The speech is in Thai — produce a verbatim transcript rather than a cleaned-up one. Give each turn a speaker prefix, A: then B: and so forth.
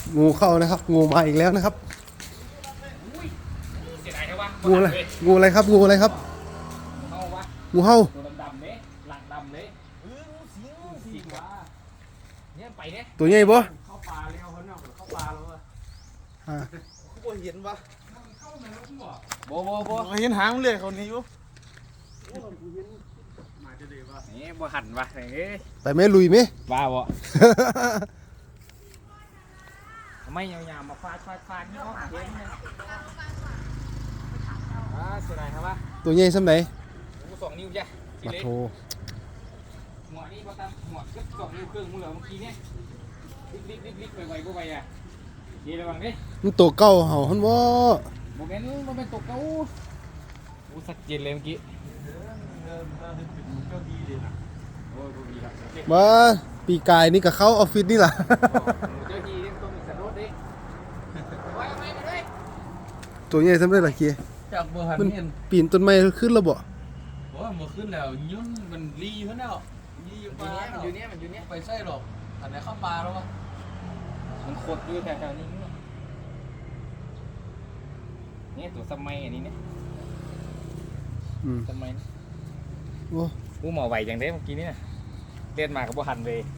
A: งูเข้านะครับงูมาอีกแล้วนะครับ
B: เสียดายแค่ว่า
A: งูอะไรงูอะไรครับงูอะไรครับ
B: เข้าวะ
A: งูเห่า
B: ตัวดำๆเนี่ยหลังดำเลยเอองูสิงงูสิงวะเนี่ยไปเนี่ย
A: ตัวใหญ่ปะ
B: เข้าป่าเลยเอาเขาเนาะเข้าป่าแล้วอะ
A: อ่า
C: บ่เห็นปะ
B: โบโบโบ
C: เห็นหางเลยเขานี้อยู่
B: นี่บ่หันวะเอ้ย
A: ไปไหมลุยไหม
B: บ้าบ่ทำไมยาวๆมาฟาดฟาดฟาดนี่เขาเห็นเลยอ่าเสียดายครับว่า
A: ตัวใหญ่สักไหน
B: กูสองนิ้วจ้ะที
A: มา
B: เล็ก
A: โถ
B: หัวนี่ก็ตามหัวก็สองนิ้วครึ่งมึงเหลือเมื่อกี้เนี่ยรีบรีบรีบไปไวๆไปอ่ะดีระวังดิ
A: มันตัวเก่าเห่าฮันว่า
B: โมเมนต์โมเมนต์ตกเก้าอู้สักเจนเลยเมื่อกี้โอ้ยดีครับเจ้า
A: มาปีกายนี่กับเขาออฟฟิศนี่ล่ะ
B: ทีนี่ต้องมีสรุปดิไว้ไว้มาด้วย
A: ตัวใหญ่สักไหนล่ะเกีย
C: จากบ่หัน
A: มัน
C: เห็น
A: ปีนต้นไม้ขึ้นแล้วบ่
C: โอ้ยบ่ขึ้นแล้วยุ่นมันรีเพิ่นแล้วรีอยู่
B: อ
C: ป่า
B: ยู่เนี้ยมันอยู่เนี้ยมันอยู่เนี้ย
C: ไปใส่หรอกอันไหนเข้าป่าแล้ววะ
B: มันขดอยู่แถวๆนี้เนี่ยเนี่ยตัวสมัยอันนี้เนี่ย
A: อืม
B: สมัย
A: โอ้
B: กูหมอไหวจังเด้เมื่อกี้เนี่ยเล่นมากับบ่หันเลย